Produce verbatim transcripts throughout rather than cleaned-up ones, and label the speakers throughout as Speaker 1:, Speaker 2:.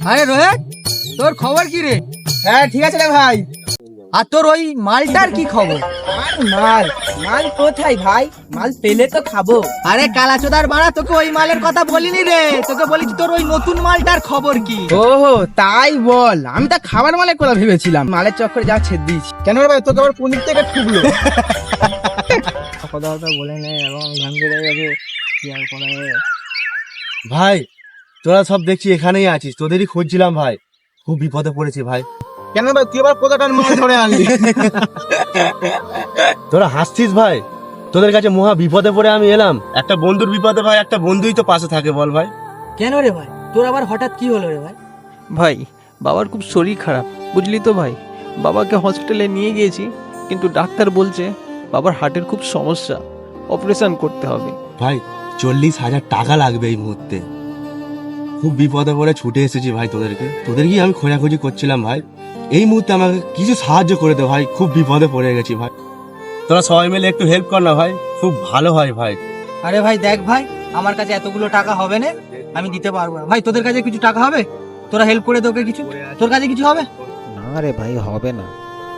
Speaker 1: আরে রোহিত, তোর খবর কি রে?
Speaker 2: হ্যাঁ ঠিক আছে রে ভাই।
Speaker 1: আর তোর ওই মালটার কি খবর?
Speaker 2: আর মাল মাল কোথায় ভাই? মাল পেলে তো খাবো।
Speaker 1: আরে কালাচোদার বাড়া, তোকে ওই মালের কথা বলিনি রে, তোকে বলেছি তোর ওই নতুন মালটার খবর কি।
Speaker 2: ওহো তাই বল, আমি তা খাবার মালের কথা ভেবেছিলাম। মালের চক্করে যা ছেদ দিয়েছি। কেন রে ভাই, তোকে আবার পনির থেকে ঠুকলো? কথা কথা বলে নে এবং ভাঙবে যাবে, কি আর করা যাবে।
Speaker 3: ভাই তোরা সব দেখছি এখানেই আছিস, তোদেরই খুঁজছিলাম ভাই, খুব বিপদে পড়েছি ভাই।
Speaker 2: কেন ভাই, তুই আবার কোথাটার মাল ধরে আনলি?
Speaker 3: তোরা হাসছিস ভাই, তোদের কাছে মহা বিপদে পড়ে আমি এলাম। একটা বন্ধুর বিপদে ভাই একটা বন্ধুই তো পাশে থাকে, বল ভাই।
Speaker 1: কেন রে ভাই, তোর আবার হঠাৎ কি হলো রে ভাই?
Speaker 4: ভাই বাবার খুব শরীর খারাপ, বুঝলি তো ভাই। বাবাকে হসপিটালে নিয়ে গিয়েছি, কিন্তু ডাক্তার বলছে বাবার হার্টের খুব সমস্যা, অপারেশন করতে হবে।
Speaker 3: ভাই চল্লিশ হাজার টাকা লাগবে এই মুহূর্তে, খুব বিপদে পড়ে ছুটে এসেছি ভাই তোদেরকে। তোদেরকে আমি খোঁজাখুঁজি করছিলাম ভাই, এই মুহূর্তে আমাকে কিছু সাহায্য করে দে ভাই, খুব বিপদে পড়ে গেছি ভাই। তোরা সবাই মিলে একটু হেল্প কর না ভাই, খুব ভালো হয় ভাই।
Speaker 1: আরে ভাই দেখ ভাই, আমার কাছে এতগুলো টাকা হবে না, আমি দিতে পারবো না ভাই। তোদের কাছে কিছু টাকা হবে? তোরা হেল্প করে তোকে কিছু, তোর কাছে কিছু হবে?
Speaker 4: না রে ভাই, হবে না।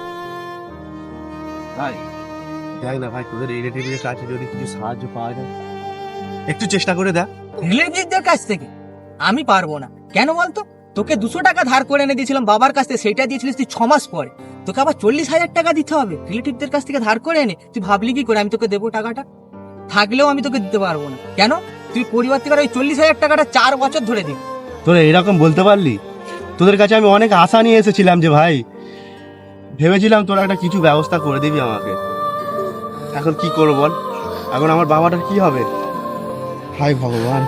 Speaker 3: ভাই দেখ না ভাই, তোদের রিলেটিভের কাছে যদি কিছু সাহায্য পাওয়া যায়, একটু চেষ্টা করে দেখ।
Speaker 1: রিলেটিভদের কাছ থেকে আমি পারবো না। কেন বলতো? তোকে দুশো টাকা ধার করে এনে দিয়েছিলাম বাবার কাছ থেকে, সেটা দিয়েছিলিস তুই ছ মাস পরে। তোকে আবার চল্লিশ হাজার টাকা দিতে হবে রিলেটিভদের কাছ থেকে ধার করে এনে? তুই ভাবলি কি করে আমি তোকে দেবো টাকাটা? থাকলেও আমি তোকে দিতে পারবো না। কেন? তুই পরিবার থেকে ওই চল্লিশ হাজার টাকাটা চার বছর ধরে দিবি।
Speaker 3: তোরা এরকম বলতে পারলি? তোদের কাছে আমি অনেক আশা নিয়ে এসেছিলাম যে ভাই, ভেবেছিলাম তোরা একটা কিছু ব্যবস্থা করে দিবি আমাকে। এখন কি করবো বল, এখন আমার বাবাটার কি হবে? হায় ভগবান।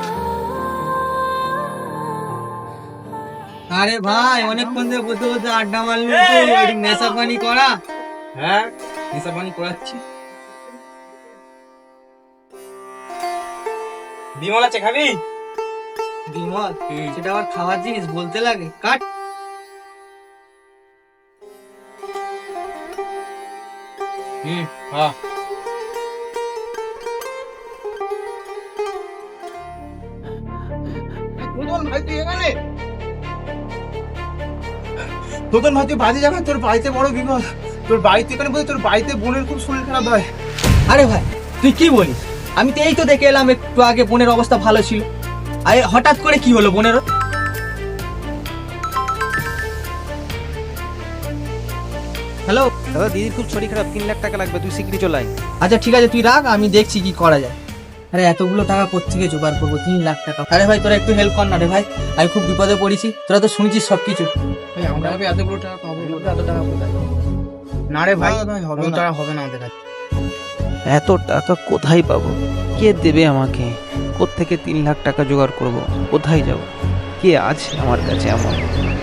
Speaker 1: আরে ভাই, অনেকক্ষণ ধরে বসে বসে আড্ডা মারলি, নেশা পানি করা?
Speaker 2: হ্যাঁ নেশা পানি করাচ্ছি। বিমল আছে, খাবি?
Speaker 1: বিমল? সেটা আবার খাওয়ার জিনিস বলতে লাগে? কাট।
Speaker 2: হুম হ্যাঁ। ভাই তুই এখানে? তোদের ভাই তুই বাজে যাবে, তোর বাড়িতে বড় বিপদ। তোর বাড়িতে এখানে বলতে তোর বাড়িতে বোনের খুব শরীর খারাপ হয়।
Speaker 1: আরে ভাই তুই কি বলিস? আমি তো এই তো দেখে এলাম একটু আগে, বোনের অবস্থা ভালো ছিল। আরে হঠাৎ করে কি হলো বোনের? হ্যালো
Speaker 4: দাদা, দিদির খুব শরীর খারাপ, তিন লাখ টাকা লাগবে, তুই শিগগিরই চলে আয়।
Speaker 1: আচ্ছা ঠিক আছে, তুই রাখ, আমি দেখছি কি করা যায়। আরে এতগুলো টাকা কোত্থেকে জোগাড় করবো? তিন লাখ টাকা? আরে ভাই তোরা একটু হেল্প কর না রে ভাই, আমি খুব বিপদে পড়েছি। তোরা তো শুনেছিস সবকিছু।
Speaker 2: ভাই আমরা এতগুলো টাকা পাবো? এত টাকা কোথায়? না রে ভাই, হবে না, টাকা হবে না আমাদের কাছে।
Speaker 4: এত টাকা কোথায় পাবো? কে দেবে আমাকে? কোত্থেকে তিন লাখ টাকা জোগাড় করব? কোথায় যাব? কে আছে আমার কাছে এমন?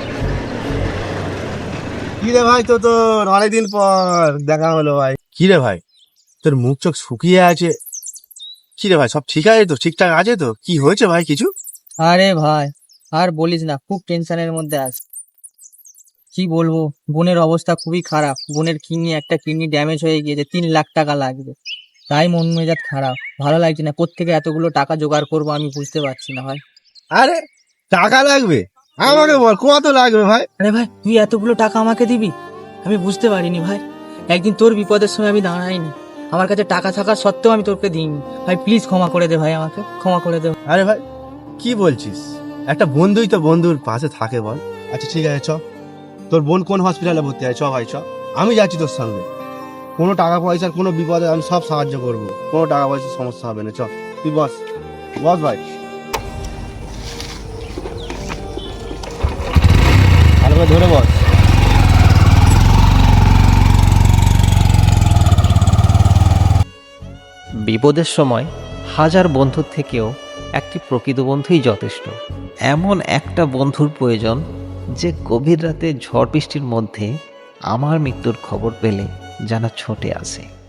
Speaker 3: কি রে ভাই, তো তোর অনেকদিন পর দেখা হলো ভাই। কি রে ভাই, তোর মুখ চোখ শুকিয়ে আছে, কি রে ভাই সব ঠিক আছে তো? ঠিকঠাক আছে তো? কি হয়েছে ভাই কিছু?
Speaker 1: আরে ভাই আর বলিস না, খুব টেনশনের মধ্যে আছি। কি বলবো, বোনের অবস্থা খুবই খারাপ। বোনের কিডনি, একটা কিডনি ড্যামেজ হয়ে গিয়েছে, তিন লাখ টাকা লাগবে। তাই মন মেজাজ খারাপ, ভালো লাগছে না। কোত্থেকে এতগুলো টাকা জোগাড় করবো আমি বুঝতে পারছি না ভাই।
Speaker 3: আরে টাকা লাগবে? আমাকে বল কত লাগবে ভাই।
Speaker 1: আরে ভাই তুই এতগুলো টাকা আমাকে দিবি? আমি বুঝতে পারিনি ভাই, একদিন তোর বিপদের সময় আমি দাঁড়াইনি, আমার কাছে টাকা থাকা সত্ত্বেও আমি তোকে দিইনি। ভাই প্লিজ ক্ষমা করে দে ভাই, আমাকে ক্ষমা করে দে।
Speaker 3: আরে ভাই কি বলছিস, একটা বন্ধুই তো বন্ধুর পাশে থাকে বল। আচ্ছা ঠিক আছে চ, তোর বোন কোন হসপিটালে ভর্তি আছে, চ ভাই চ, আমি যাচ্ছি তোর সঙ্গে। কোনো টাকা পয়সার কোনো বিপদে আমি সব সাহায্য করবো, কোনো টাকা পয়সার সমস্যা হবে না। চ তুই বস, বস ভাই, ভালো করে ধরে বস।
Speaker 4: বিপদের সময় হাজার বন্ধুর থেকেও একটি প্রকৃত বন্ধুই যথেষ্ট। এমন একটা বন্ধুর প্রয়োজন যে গভীর রাতে ঝড় বৃষ্টির মধ্যে আমার মৃত্যুর খবর পেলে যেন ছুটে আসে।